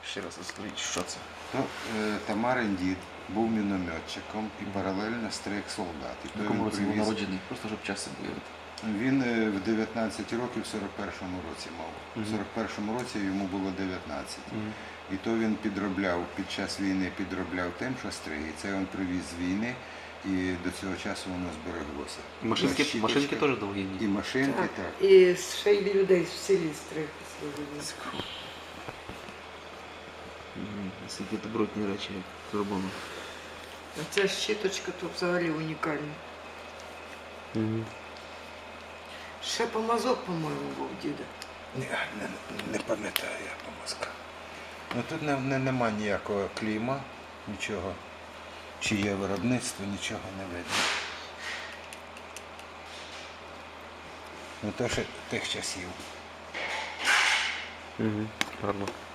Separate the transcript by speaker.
Speaker 1: Ще раз розкажіть, що це?
Speaker 2: Тамарин дід був мінометчиком і паралельно стриг солдат. І
Speaker 1: В
Speaker 2: то
Speaker 1: якому
Speaker 2: він
Speaker 1: році був
Speaker 2: привіз.
Speaker 1: народжений? Просто щоб час себе уявити.
Speaker 2: Він в 19 років в 41-му році мав. В 41-му році йому було 19. І то він підробляв, під час війни підробляв тим, що стриг. І це він привіз з війни, і до цього часу воно збереглося.
Speaker 1: Машинки теж довгі.
Speaker 2: І машинки, так.
Speaker 3: І ще й людей в селі стриг.
Speaker 1: Наскільки добротні речі, як зроблено.
Speaker 3: А ця щіточка тут взагалі унікальна. Ще помазок, по-моєму, був діда.
Speaker 2: Не пам'ятаю я помазка. Ну тут нема ніякого клейма, нічого. Чи є виробництво, нічого не видно. Ну то ще тих часів.
Speaker 1: Гарно.